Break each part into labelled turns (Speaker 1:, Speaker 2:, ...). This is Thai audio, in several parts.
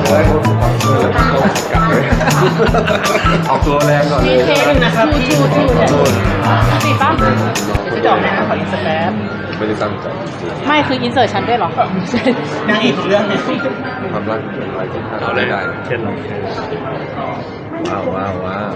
Speaker 1: เลยกลับเลยออกตัวแรงก่อนเลย
Speaker 2: เทนึงนะครับชูติดปะจะจอกนะขออินสแตป
Speaker 1: ไม่ได้ตั้งใจ
Speaker 2: ไม่คืออินเสิร์ตฉันด้วยหรอนางเอกของเรื่องเนี่ย
Speaker 1: ความรักเป็นอะไรที่คาด
Speaker 3: เอาเล
Speaker 1: ไม่
Speaker 3: ย
Speaker 1: ได้
Speaker 3: เช่นเรา
Speaker 1: ว้าว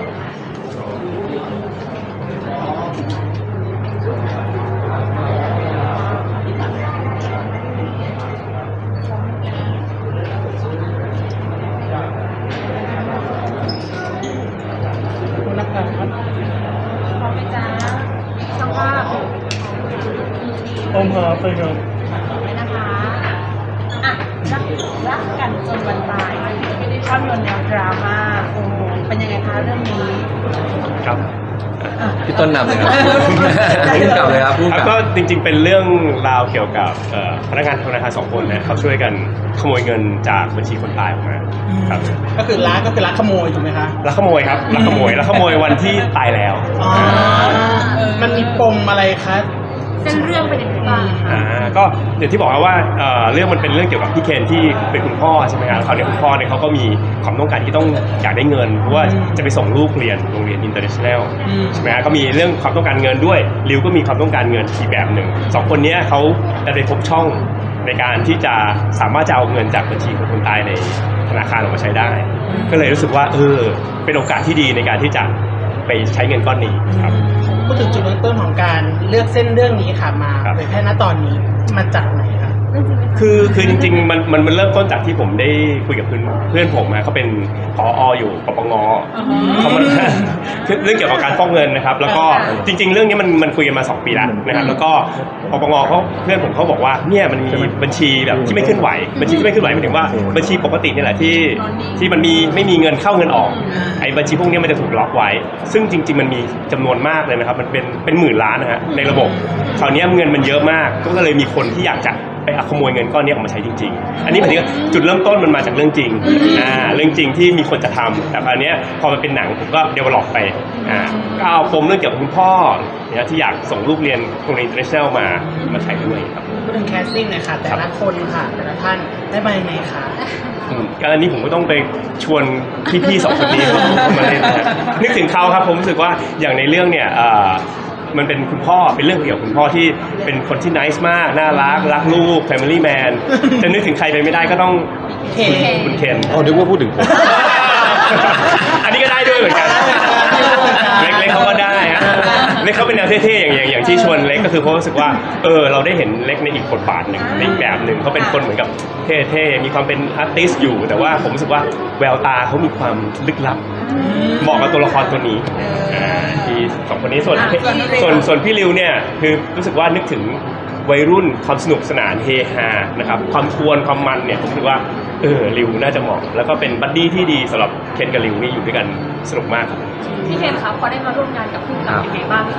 Speaker 2: คุณนักการครับ
Speaker 4: พร้อมไหมจ๊ะช่างภาพ
Speaker 2: อมหาไปครับ
Speaker 4: ไว้นะคะอ่ะรักกันจนวันตายภาพยนตร์แนวดราม่าโอ้โหเป็นยังไงคะเรื่องนี้
Speaker 3: ครับ
Speaker 1: พี่ต้นนำเลยครับพุ่งกลับเลยครับพุ่ง
Speaker 3: แล้ว
Speaker 1: กลับ
Speaker 3: ก็จริงๆเป็นเรื่องราวเกี่ยวกับพนักงานธนาคาร2 คนนะเขาช่วยกันขโมยเงินจากบัญชีคนตายออกมาครับ
Speaker 2: ก็คือลักขโมยถูกไหมคะ
Speaker 3: ลักขโมยครับลักขโมยวันที่ตายแล้ว
Speaker 2: อ๋อมันมีปมอะไรคะ
Speaker 4: เส้นเรื่องเป็นยังไงบ้าง
Speaker 3: ก็อย่างที่บอกแล้วว่าเรื่องมันเป็นเรื่องเกี่ยวกับพี่เคนที่เป็นคุณพ่อใช่ไหมครับเขาเนี่ยคุณพ่อเนี่ยเขาก็มีความต้องการที่ต้องอยากได้เงินเพราะว่าจะไปส่งลูกเรียนโรงเรียนอินเตอร์เนชั่นแนลใช่ไหมครับก็มีเรื่องความต้องการเงินด้วยริวก็มีความต้องการเงินอีกแบบหนึ่ง2 คนนี้เขาได้พบช่องในการที่จะสามารถจะเอาเงินจากบัญชีของคนตายในธนาคารออกมาใช้ได้ ก็เลยรู้สึกว่าเป็นโอกาสที่ดีในการที่จะไปใช้เงินก้อนนี้ครับ
Speaker 2: พูดถึงจุดเริ่มต้นของการเลือกเส้นเรื่องนี้ค่ะมา
Speaker 3: ครับ
Speaker 2: เผยแพร่ณตอนนี้มาจากไหนคะ
Speaker 3: คือจริงๆมันเริ่มต้นจากที่ผมได้คุยกับเพื่อนผมเขาเป็นผออยู่ปปงเขามาคือเรื่องเกี่ยวกับการฟอกเงินนะครับ แล้วก็จริง ๆ เรื่องนี้มันคุยกันมา2 ปีแล้วนะครับแล้วก็ปปงเพื่อนผมเขาบอกว่าเนี่ยมันมีบัญชีแบบที่ไม่เคลื่อนไหวบัญชีที่ไม่เคลื่อนไหวหมายถึงว่าบัญชีปกติเนี่ยแหละที่มันไม่มีเงินเข้าเงินออกไอ้บัญชีพวกนี้มันจะถูกล็อกไว้ ซึ่งจริง ๆมันมีจำนวนมากเลยนะครับมันเป็นหมื่นล้านนะฮะในระบบคราวนี้เงินมันเยอะมากก็เลยมีคนที่อยากจะไปขโมยเงินก้อนนี้ออกมาใช้จริงๆ อันนี้หมายถึงจุดเริ่มต้นมันมาจากเรื่องจริงเรื่องจริงที่มีคนจะทำแต่คราวนี้พอมันเป็นหนังผมก็เดเวลลอปไปก็เอาปมเรื่องเกี่ยวกับคุณพ่อเนี่ยที่อยากส่งลูกเรียนโรงเรียนอินเตอร์เนชั่นแนลมาใช้ด้วยครับ
Speaker 2: พูดถึงแคสติ้งหน่อยค่ะแต่ละคนค่ะแต่ละท่านได้มายังไงคะ
Speaker 3: การอันนี้ผมก็ต้องไปชวนพี่ๆ2 คนนี้มาเล่นนะนึกถึงเขาครับผมรู้สึกว่าอย่างในเรื่องเนี่ยมันเป็นคุณพ่อเป็นเรื่องเกี่ยวกับคุณพ่อที่เป็นคนที่ nice มากน่ารักลูก family man จะนึกถึงใครไปไม่ได้ก็ต้องคุณเคน
Speaker 1: อ๋อนึกว่าพูดถึงผม
Speaker 3: อันนี้ก็ได้ด้วยเหมือนกันเล็กเขาก็ได้ฮะเล็กเขาเป็นแนวเท่ๆอย่างที่ชวนเล็กก็คือเพราะรู้สึกว่าเราได้เห็นเล็กในอีกบทบาทหนึ่งในอีกแบบหนึ่งเขาเป็นคนเหมือนกับเท่ๆมีความเป็นอาร์ติสต์อยู่แต่ว่าผมรู้สึกว่าแววตาเขามีความลึกลับเหมาะกับตัวละครตัวนี้ที่2 คนนี้ส่วนพี่ริวเนี่ยคือรู้สึกว่านึกถึงวัยรุ่นความสนุกสนานเฮฮานะครับความทวนความมันเนี่ยผมคิดว่าริวน่าจะเหมาะแล้วก็เป็นบัดดี้ที่ดีสำหรับเคนกับริวนี่อยู่ด้วยกันสนุกมากครับ
Speaker 4: พี่เคนคะพอได้มาร่วมงานกับผู้กำกับยังไงบ้างคะ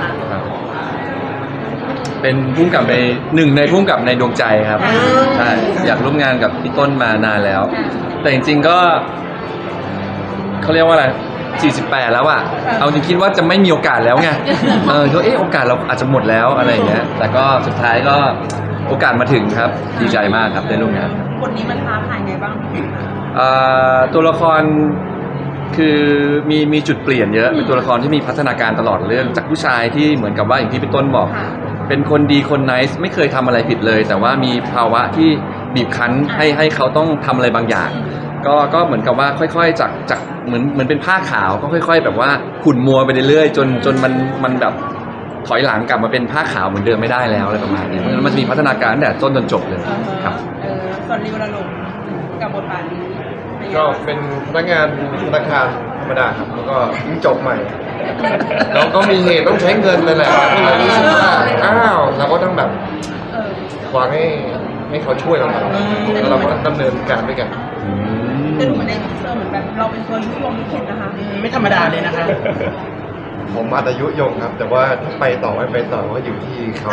Speaker 5: เป็นพุ่มกับในในพุ่มกับในดวงใจครับใช่อยากร่วมงานกับพี่ต้นมานานแล้ว แต่จริงๆก็เขาเรียกว่าอะไร48แล้วอะเอาจริงคิดว่าจะไม่มีโอกาสแล้วไงก็โอกาสเราอาจจะหมดแล้วอะไรอย่างเงี้ยแต่ก็สุดท้ายก็โอกาสมาถึงครับดีใจมากครับได้ร่วมงาน
Speaker 4: บทนี้มันท้าทายไงบ้าง
Speaker 5: ตัวละครคือมีจุดเปลี่ยนเยอะเป็นตัวละครที่มีพัฒนาการตลอดเรื่องจากผู้ชายที่เหมือนกับว่าอย่างที่พี่ต้นบอก เป็นคนดีคนไนซ์ไม่เคยทำอะไรผิดเลย แต่ว่ามีภาวะที่บีบคั้นให้เขาต้องทำอะไรบางอย่างก็เหมือนกับว่าค่อยๆจากเหมือนเป็นผ้าขาวก็ค่อย ๆ แบบว่าขุ่นมัวไปเรื่อยๆจนมันแบบถอยหลังกลับมาเป็นผ้าขาวเหมือนเดิมไม่ได้แล้วอะไรประมาณนี้เพราะฉะนั้นมันจะมีพัฒนาการตั้งแต่ต้นจนจบเลยครับ
Speaker 4: ส่วนริวละลงกับบทบาทนี้
Speaker 1: ก็เป็นพนักงานธนาคารธรรมดาครับแล้วก็เพิ่งจบใหม่เราก็มีเหตุต้องใช้เงินเลยแหละก็เลยรู้สึกว่าเราก็ต้องแบบวางให้เขาช่วยเราหน่อยแล้วเราก็ดำเนินการด้วยกัน
Speaker 4: แต่ดูเหมือนในทีเซอร์เหมือนแบบเราเป็นตัวยุยงยุเคนนะคะ
Speaker 2: ไม่ธรรมดาเลยนะคะ
Speaker 1: ผมอาจจะยุยงครับ แต่ว่าถ้าไปต่อไม่ไปต่อก็อยู่ที่เขา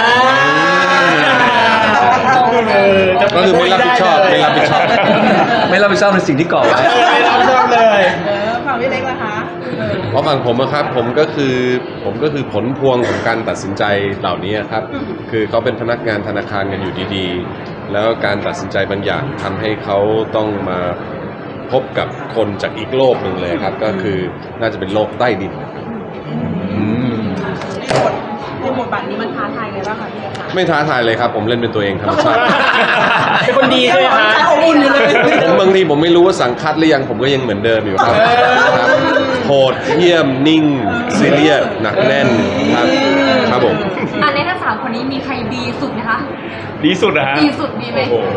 Speaker 5: ก็คือไม่รับผิดชอบไม่รับผิดชอบไม่รับผิดชอบในสิ่งที่ก่อไว้
Speaker 2: ไม่รับผิดชอบเลย
Speaker 4: ฝั่งพี่เล็กล่ะคะ
Speaker 6: เพราะฝั่งผมนะครับผมก็คือผลพวงของการตัดสินใจเหล่านี้ครับคือเขาเป็นพนักงานธนาคารกันอยู่ดีๆแล้วการตัดสินใจบางอย่างทำให้เขาต้องมาพบกับคนจากอีกโลกหนึ่งเลยครับ ก็คือน่าจะเป็นโลกใต้ดิน
Speaker 4: ในบทบาทนี้มันท้าทายไงบ้างคะพี่คะ
Speaker 6: ไม่ท้าทายเลยครับผมเล่นเป็นตัวเองธรรมชาติ
Speaker 2: เป็นคนดีใช่ไหมคะ
Speaker 4: อบอุ่นอยู่เลย
Speaker 6: ผมบางทีผมไม่รู้ว่าสังคัดหรือยังผมก็ยังเหมือนเดิมอยู่ครับครับโหดเยี่ยมนิ่งซีเรียสหนักแน่นครับครับผม
Speaker 7: อันในทั้ง3 คนนี้มีใครดีสุดไหมคะ
Speaker 3: ดีสุดนะฮะ
Speaker 7: ดีสุดมีไหม
Speaker 3: โอ้โห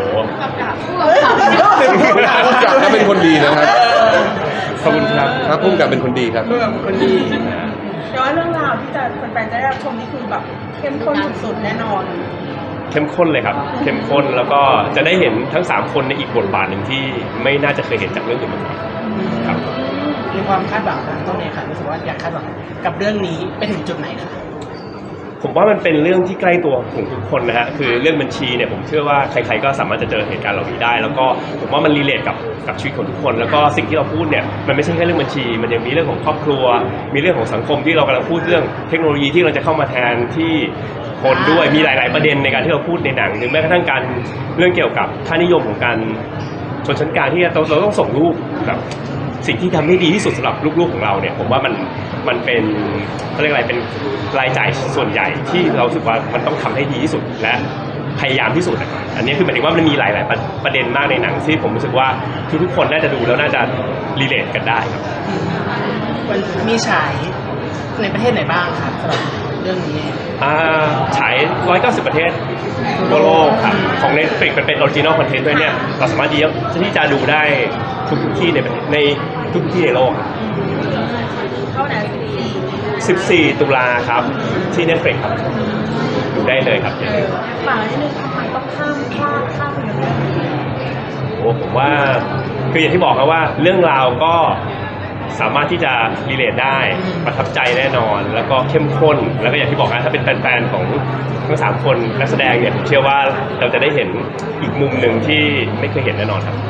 Speaker 6: พุ่มกับก็เป็นคนดีนะครับ
Speaker 3: ขอบคุณครับ
Speaker 6: ครับพุ่มกับเป็นคนดีครับ
Speaker 2: คนดี
Speaker 4: แต่ว่าเรื่องราวที่จะแฟนๆจะได้รับชมนี่คือแบบเข้มข้นสุดๆแน่นอน
Speaker 3: เข้มข้นเลยครับ เข้มข้นแล้วก็จะได้เห็นทั้ง3คนในอีกบทบาทหนึ่งที่ไม่น่าจะเคยเห็นจากเรื่องอื่นมาก่อนครับ
Speaker 2: มีความคาดหวังนะต้องเนี่ยค่ะรู้สึกว่าอยากคาดหวังกับเรื่องนี้ไปถึงจุดไหนคะ
Speaker 3: ผมว่ามันเป็นเรื่องที่ใกล้ตัวของทุกคนนะฮะคือเรื่องบัญชีเนี่ยผมเชื่อว่าใครๆก็สามารถจะเจอเหตุการณ์เหล่านี้ได้ แล้วก็ผมว่ามันรีเลทกับชีวิตของทุกคน แล้วก็สิ่งที่เราพูดเนี่ยมันไม่ใช่แค่เรื่องบัญชี มันยังมีเรื่องของครอบครัว มีเรื่องของสังคมที่เรากำลังพูดเรื่องเทคโนโลยีที่เราจะเข้ามาแทนที่คนด้วยมีหลายๆประเด็นในการที่เราพูดในหนังหรือแม้กระทั่งการเรื่องเกี่ยวกับค่านิยมของการชนชั้นกลางที่เราต้องส่งลูกแบบสิ่งที่ทำให้ดีที่สุดสำหรับลูกๆของเราเนี่ยผมว่ามันเป็นเขาเรียกอะไรเป็นรายจ่ายส่วนใหญ่ที่เราสึกว่ามันต้องทำให้ดีที่สุดและพยายามที่สุดนะครับอันนี้คือหมายถึงว่ามันมีหลายๆประเด็นมากในหนังที่ผมรู้สึกว่าทุกๆคนน่าจะดูแล้วน่าจะรีเลทกันได้ครับ
Speaker 2: มันมีฉายในประเทศไหนบ้างครับสำหรับเรื่องนี้
Speaker 3: ฉาย 190 ประเทศทั่วโลกครับของ Netflix เป็นออริจินอลคอนเทนต์ด้วยเนี่ยเราสามารถที่จะดูได้ทุกที่ในทุกที่ในโลกครับ
Speaker 4: เข้าไหน
Speaker 3: 14 ตุลาครับที่ Netflix ครับดูได้เลยครับอย่าลืม
Speaker 4: ฝากนิดนึงทำไมต้องข้ามไปเรื่องนี้
Speaker 3: โอ้ผมว่าคืออย่างที่บอกครับว่าเรื่องราวก็สามารถที่จะรีเลทได้ประทับใจแน่นอน แล้วก็เข้มข้นแล้วก็อย่างที่บอกนะถ้าเป็นแฟนๆของทั้ง3 คนนักแสดงเนี่ยผมเชื่อว่าเราจะได้เห็นอีกมุมหนึ่งที่ไม่เคยเห็นแน่นอนครับ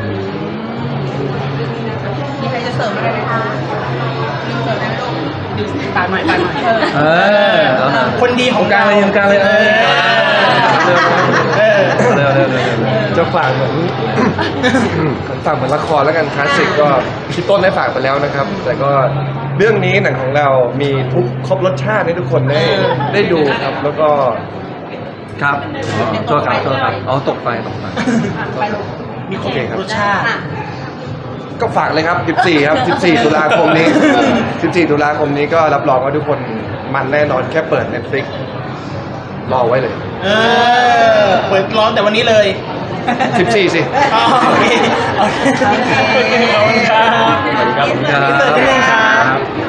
Speaker 4: มีใครจะเสริมอะไรไหมคะเสริมได้ไหมลูก
Speaker 2: ดูตามหน่อยตามหน่อย คนดีของ
Speaker 5: กลางเลยกลางเลยเร็ว
Speaker 1: จะฝากเหมือนฝากเหมือนละครแล้วกันคลาสสิกก็พี่ต้นได้ฝากไปแล้วนะครับ แต่ก็เรื่องนี้หนังของเรามีทุกครบรสชาติให้ทุกคนได้ดูครับ แล้วก็
Speaker 5: ครับโทษครับอ๋อตกไฟ
Speaker 4: ไปลูก
Speaker 2: มีครบรสชาติ
Speaker 1: ก็ฝากเลยครับ 14 ครับ 14 ตุลาคมนี้ 14 ตุลาคมนี้ก็รับรองว่าทุกคนมันแน่นอนแค่เปิด Netflix รอไว้เลย
Speaker 2: เปิดร้อนแต่วันนี้เลย
Speaker 1: 14 สิ
Speaker 2: อ๋อโอเคขอบคุณครับ
Speaker 5: ขอบคุณครับ
Speaker 2: พี่เต๋อที่ไหนครับ